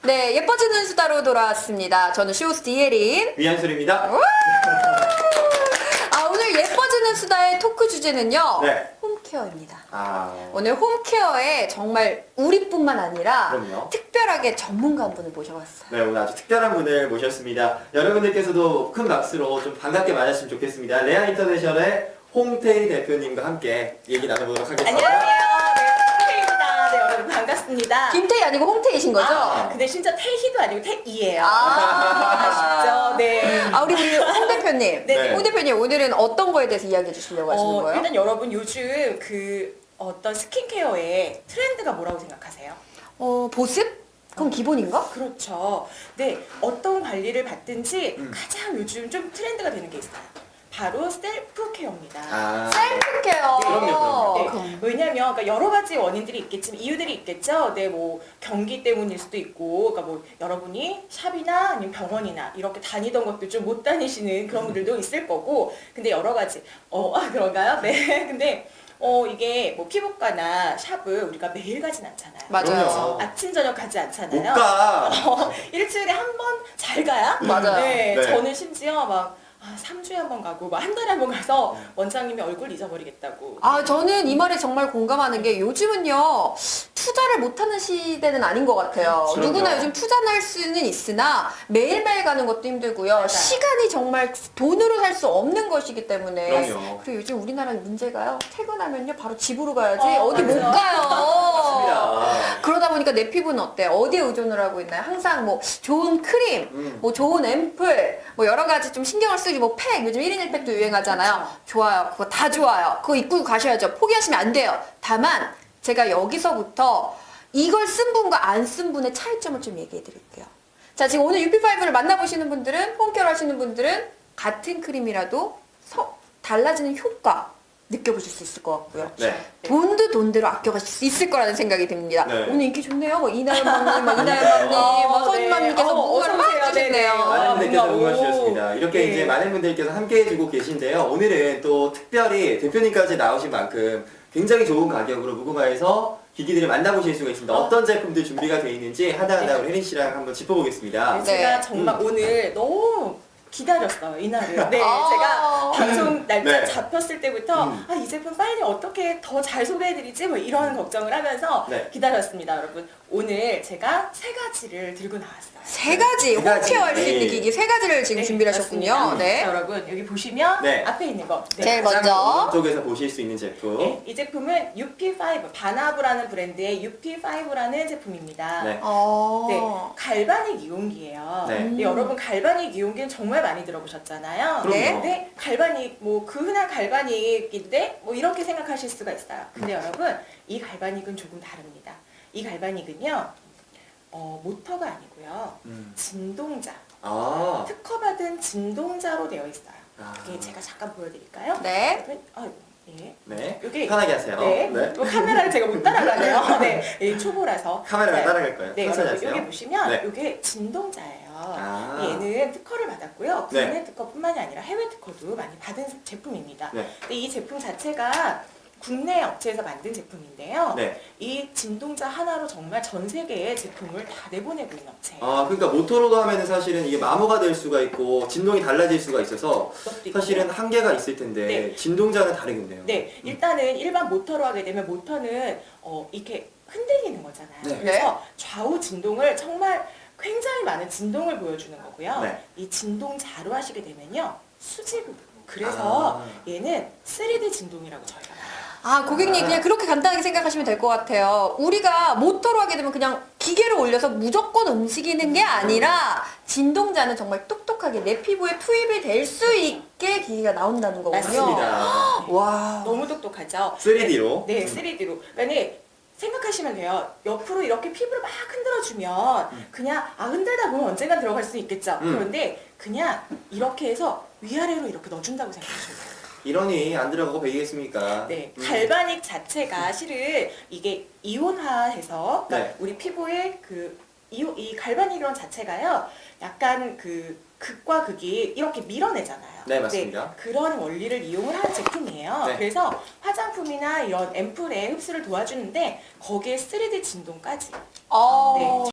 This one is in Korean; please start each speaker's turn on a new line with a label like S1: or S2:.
S1: 네, 예뻐지는 수다로 돌아왔습니다. 저는 쇼호스트 이혜린.
S2: 위안술입니다.
S1: 오늘 예뻐지는 수다의 토크 주제는요.
S2: 네.
S1: 홈케어입니다.
S2: 아,
S1: 오늘 홈케어에 정말 우리뿐만 아니라
S2: 그럼요.
S1: 특별하게 전문가 한 분을 모셔봤어요.
S2: 네, 오늘 아주 특별한 분을 모셨습니다. 여러분들께서도 큰 박수로 좀 반갑게 맞았으면 좋겠습니다. 레아 인터내셔널의 홍태희 대표님과 함께 얘기 나눠보도록 하겠습니다.
S3: 안녕하세요. 네, 태희입니다. 네, 여러분 반갑습니다.
S1: 김태희 아니고 홍태희신 거죠?
S3: 근데 진짜 태희도 아니고 태희예요.
S1: 아.
S3: 아쉽죠? 네.
S1: 우리 홍 대표님.
S3: 네.
S1: 홍 대표님, 오늘은 어떤 거에 대해서 이야기해 주시려고 하시는 거예요?
S3: 일단 여러분 요즘 그 어떤 스킨케어의 트렌드가 뭐라고 생각하세요?
S1: 보습? 그건 기본인가?
S3: 그렇죠. 네, 어떤 관리를 받든지 가장 요즘 좀 트렌드가 되는 게 있어요. 바로 셀프 케어입니다.
S2: 아,
S1: 셀프 케어.
S2: 그럼요.
S3: 네, 왜냐면 그러니까 여러 가지 원인들이 있겠지만 이유들이 있겠죠. 네, 뭐 경기 때문일 수도 있고, 그러니까 뭐 여러분이 샵이나 아니면 병원이나 이렇게 다니던 것도 좀 못 다니시는 그런 분들도 있을 거고, 근데 여러 가지 그런가요? 네, 근데 이게 뭐 피부과나 샵을 우리가 매일 가진 않잖아요.
S1: 맞아요.
S2: 그럼요.
S3: 아침 저녁 가지
S2: 못
S3: 않잖아요.
S2: 가.
S3: 일주일에 한 번 잘 가야?
S1: 맞아요.
S3: 네,
S2: 네.
S3: 저는 심지어 막 3주에 한 번 가고 막 한 달에 한 번 가서 원장님이 얼굴 잊어버리겠다고.
S1: 저는 이 말에 정말 공감하는 게 요즘은요, 투자를 못하는 시대는 아닌 것 같아요.
S2: 그럼요.
S1: 누구나 요즘 투자는 할 수는 있으나 매일매일 가는 것도 힘들고요.
S3: 맞아요.
S1: 시간이 정말 돈으로 살 수 없는 것이기 때문에.
S2: 그럼요.
S1: 그리고 요즘 우리나라 문제가요, 퇴근하면요, 바로 집으로 가야지 어디
S3: 맞아요.
S1: 못 가요.
S2: 맞습니다.
S1: 그러다 보니까 내 피부는 어때요? 어디에 의존을 하고 있나요? 항상 뭐 좋은 크림, 뭐 좋은 앰플, 뭐 여러 가지 좀 신경을 쓰기, 뭐 팩, 요즘 1인 1팩도 유행하잖아요.
S3: 그렇죠.
S1: 좋아요. 그거 다 좋아요. 그거 입고 가셔야죠. 포기하시면 안 돼요. 다만 제가 여기서부터 이걸 쓴 분과 안 쓴 분의 차이점을 좀 얘기해 드릴게요. 자, 지금 오늘 UP5를 만나보시는 분들은, 홈케어 하시는 분들은 같은 크림이라도 달라지는 효과 느껴보실 수 있을 것 같고요.
S2: 네.
S1: 돈도 돈대로 아껴가실 수 있을 거라는 생각이 듭니다.
S2: 네.
S1: 오늘 인기 좋네요. 뭐 이나연맘님, 뭐 서인맘님께서 문구를 막 해주시네요.
S2: 많은 분들께서
S3: 뭔가,
S2: 응원
S3: 오.
S2: 주셨습니다. 이렇게
S3: 네.
S2: 이제 많은 분들께서 함께 해주고 계신데요. 오늘은 또 특별히 대표님까지 나오신 만큼 굉장히 좋은 가격으로 무궁화에서 기기들을 만나보실 수가 있습니다. 어떤 제품들 준비가 되어 있는지 하나하나
S3: 네.
S2: 우리 혜린 씨랑 한번 짚어보겠습니다.
S3: 네, 제가
S1: 네.
S3: 정말 오늘 너무 기다렸어요, 이날을. 네,
S1: 아.
S3: 제가 방송 날짜
S2: 네.
S3: 잡혔을 때부터 이 제품 빨리 어떻게 더 잘 소개해드리지? 뭐 이런 걱정을 하면서
S2: 네.
S3: 기다렸습니다, 여러분. 오늘 제가 3가지를 들고 나왔어요.
S1: 세 가지,
S2: 세 가지.
S1: 홈케어 할 수 있는
S2: 네.
S1: 기기 세 가지를 지금
S3: 네,
S1: 준비를 하셨군요.
S3: 맞습니다.
S1: 네.
S3: 자, 여러분 여기 보시면
S2: 네.
S3: 앞에 있는 거. 네.
S1: 제일
S2: 가장
S1: 먼저.
S2: 오른쪽에서 보실 수 있는 제품.
S3: 네, 이 제품은 UP5, 바나브라는 브랜드의 UP5라는 제품입니다.
S2: 네.
S3: 네, 갈바닉 이용기예요.
S2: 네.
S3: 네, 여러분 갈바닉 이용기는 정말 많이 들어보셨잖아요.
S2: 그럼요.
S1: 네.
S3: 근데 갈바닉 뭐 그 흔한 갈바닉인데 뭐 이렇게 생각하실 수가 있어요. 근데 여러분 이 갈바닉은 조금 다릅니다. 이 갈바닉은요 모터가 아니고요 진동자,
S2: 아.
S3: 특허받은 진동자로 되어 있어요.
S2: 아.
S3: 그게 제가 잠깐 보여드릴까요?
S1: 네.
S3: 예.
S2: 네.
S3: 여기
S2: 편하게 하세요.
S3: 네. 또 카메라를 제가 못 따라가네요. 네. 이 초보라서.
S2: 카메라가
S3: 네.
S2: 따라갈 거예요.
S3: 네,
S2: 천천히
S3: 여러분
S2: 하세요.
S3: 여기 보시면
S2: 네.
S3: 이게 진동자예요.
S2: 아.
S3: 얘는 특허를 받았고요.
S2: 네.
S3: 국내 특허뿐만이 아니라 해외 특허도 많이 받은 제품입니다.
S2: 네.
S3: 근데 이 제품 자체가 국내 업체에서 만든 제품인데요.
S2: 네.
S3: 이 진동자 하나로 정말 전 세계에 제품을 다 내보내고 있는 업체예요.
S2: 그러니까 모터로도 하면은 사실은 이게 마모가 될 수가 있고 진동이 달라질 수가 있어서
S3: 그것도 있고요.
S2: 사실은 한계가 있을 텐데
S3: 네.
S2: 진동자는 다르겠네요.
S3: 네, 일단은 일반 모터로 하게 되면 모터는 이렇게 흔들리는 거잖아요.
S2: 네.
S3: 그래서 좌우 진동을 정말 굉장히 많은 진동을 보여주는 거고요.
S2: 네.
S3: 이 진동자로 하시게 되면요, 수직으로. 그래서 얘는 3D 진동이라고 저희가 말해요.
S1: 고객님 그냥 그렇게 간단하게 생각하시면 될 것 같아요. 우리가 모터로 하게 되면 그냥 기계를 올려서 무조건 움직이는 게 아니라 진동자는 정말 똑똑하게 내 피부에 투입이 될 수 있게 기기가 나온다는 거군요.
S2: 맞습니다.
S1: 와.
S3: 너무 똑똑하죠?
S2: 3D로.
S3: 네, 3D로. 그러니까 생각하시면 돼요. 옆으로 이렇게 피부를 막 흔들어주면 그냥 흔들다 보면 언젠간 들어갈 수 있겠죠. 그런데 그냥 이렇게 해서 위아래로 이렇게 넣어준다고 생각하시면 돼요.
S2: 이러니 안 들어가고 베이겠습니까?
S3: 네, 갈바닉 자체가 실은 이게 이온화해서 그러니까
S2: 네.
S3: 우리 피부에 이 갈바닉이론 자체가요, 약간 극과 극이 이렇게 밀어내잖아요.
S2: 네, 맞습니다.
S3: 그런 원리를 이용을 한 제품이에요.
S2: 네.
S3: 그래서 화장품이나 이런 앰플에 흡수를 도와주는데 거기에 3D 진동까지. 네.